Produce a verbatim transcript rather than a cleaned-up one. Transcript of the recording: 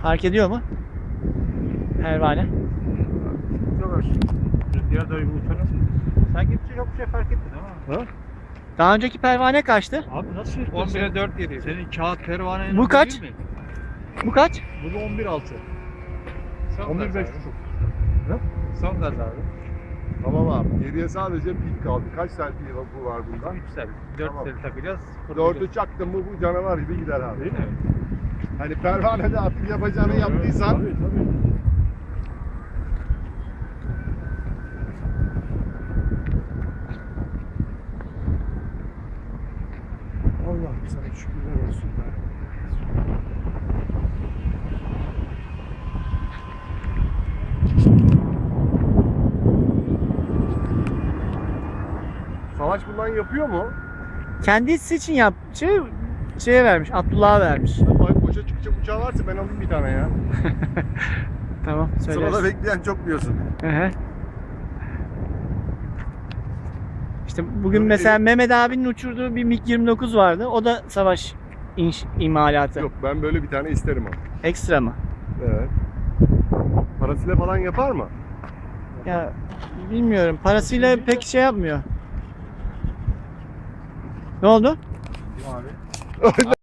Fark ediyor mu? Pervane. Çok az. Rüzgar da uçar nasıl? Sen gittikçe çok bir şey fark ettin ama. Ha? Daha önceki pervane kaçtı? Abi nasıl on bire dört geliyor. Senin kağıt pervanenin Bu kaç? değil mi? Bu kaç? Bu da on bir altı. Son on bir gaz beş abi. buçuk. Son gaz abi. Tamam abi. Geriye sadece pik kaldı. Kaç tane pil bu var bunda? üç sel. dört Tamam. sel takacağız. Dördü çaktın mı bu canavar gibi gider abi. Değil mi? Hani pervanede artık yapacağını yaptıysan. Tabii tabii. Allah'ım sana şükürler olsun be. Savaş bundan yapıyor mu? Kendisi için yap. Şey, şeye vermiş. Abdullah'a vermiş. Ay boşa çıkacak uçağı varsa ben alayım bir tane ya. Tamam, Sırada söylersin. bekleyen çok diyorsun. Hı hı. İşte bugün Öyle mesela değil. Mehmet abinin uçurduğu bir MiG yirmi dokuz vardı. O da savaş inş, imalatı. Yok ben böyle bir tane isterim ama. Ekstra mı? Evet. Parasıyla falan yapar mı? Ya bilmiyorum. Parasıyla pek şey yapmıyor. Ne oldu? Abi.